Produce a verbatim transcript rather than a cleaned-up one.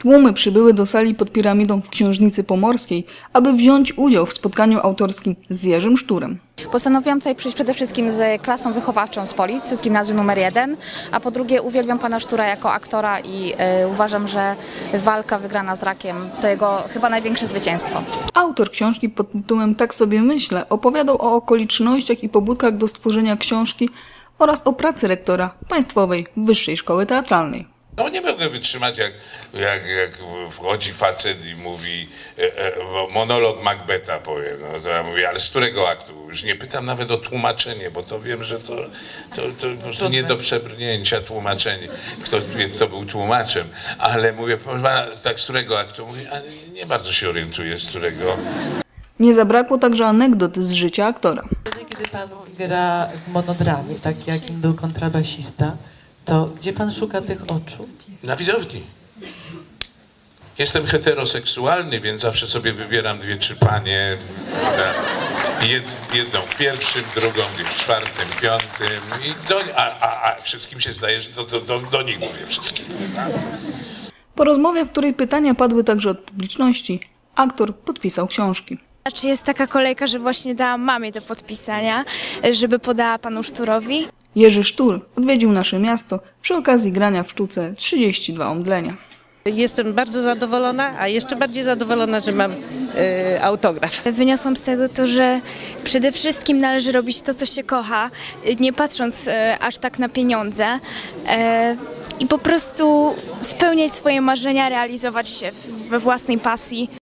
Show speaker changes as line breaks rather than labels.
Tłumy przybyły do sali pod piramidą w Książnicy Pomorskiej, aby wziąć udział w spotkaniu autorskim z Jerzym Szturem.
Postanowiłam tutaj przyjść przede wszystkim z klasą wychowawczą z Polic, z gimnazjum numer jeden, a po drugie uwielbiam pana Sztura jako aktora i y, uważam, że walka wygrana z rakiem to jego chyba największe zwycięstwo.
Autor książki pod tytułem Tak sobie myślę opowiadał o okolicznościach i pobudkach do stworzenia książki oraz o pracy rektora Państwowej Wyższej Szkoły Teatralnej.
No nie mogę wytrzymać, jak, jak, jak wchodzi facet i mówi e, e, monolog Macbeta, powiem. No, to ja mówię, ale z którego aktu? Już nie pytam nawet o tłumaczenie, bo to wiem, że to, to, to po prostu nie do przebrnięcia tłumaczenie, kto, kto był tłumaczem. Ale mówię, proszę pana, tak z którego aktu? Mówię, a nie bardzo się orientuję, z którego.
Nie zabrakło także anegdot z życia aktora.
Kiedy pan gra w monodramie, tak jakim był kontrabasista, to gdzie pan szuka tych oczu?
Na widowni. Jestem heteroseksualny, więc zawsze sobie wybieram dwie, trzy panie. Jed, jedną w pierwszym, drugą w czwartym, piątym. I do, a, a, a wszystkim się zdaje, że do, do, do, do nich mówię wszystkim.
Po rozmowie, w której pytania padły także od publiczności, aktor podpisał książki.
Czy jest taka kolejka, że właśnie dałam mamie do podpisania, żeby podała panu Szturowi?
Jerzy Sztur odwiedził nasze miasto przy okazji grania w sztuce trzydzieści dwa omdlenia.
Jestem bardzo zadowolona, a jeszcze bardziej zadowolona, że mam y, autograf.
Wyniosłam z tego to, że przede wszystkim należy robić to, co się kocha, nie patrząc e, aż tak na pieniądze e, i po prostu spełniać swoje marzenia, realizować się we własnej pasji.